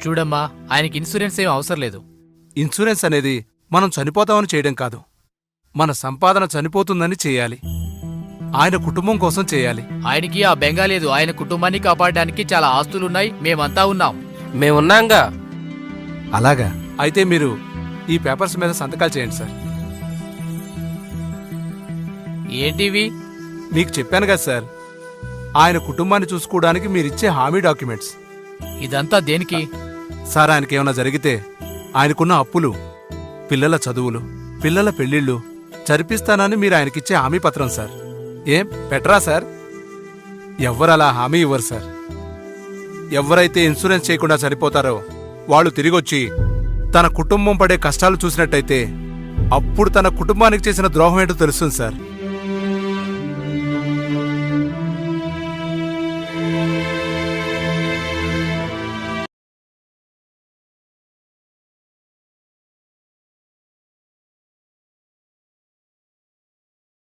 చూడమ్మా, ఆయనకి ఇన్సూరెన్స్ ఏం అవసరం లేదు. ఇన్సూరెన్స్ అనేది మనం చనిపోతామని చేయడం కాదు, మన సంపాదన చనిపోతుందని చేయాలి. ఆయన కుటుంబం కోసం చేయాలి. ఆయనకి ఆ బెంగ లేదు. ఆయన కుటుంబాన్ని కాపాడడానికి చాలా ఆస్తులున్నాయి. మేమంతా ఉన్నాం. మేమున్నాంగా. అలాగా అయితే మీరు ఈ పేపర్స్ మీద సంతకాలు చేయండి సార్. ఏంటివి? మీకు చెప్పాను కదా సార్, ఆయన కుటుంబాన్ని చూసుకోవడానికి మీరిచ్చే హామీ డాక్యుమెంట్స్. ఇదంతా దేనికి? సార్, ఆయనకేమైనా జరిగితే ఆయనకున్న అప్పులు, పిల్లల చదువులు, పిల్లల పెళ్లిళ్ళు జరిపిస్తానని మీరు ఆయనకిచ్చే హామీ పత్రం సార్. ఏం పెట్టరా సార్? ఎవ్వరలా హామీ ఇవ్వరు సార్. ఎవరైతే ఇన్సూరెన్స్ చేయకుండా చనిపోతారో వాళ్ళు తిరిగొచ్చి తన కుటుంబం పడే కష్టాలు చూసినట్టయితే అప్పుడు తన కుటుంబానికి చేసిన ద్రోహం ఏంటో తెలుస్తుంది సార్.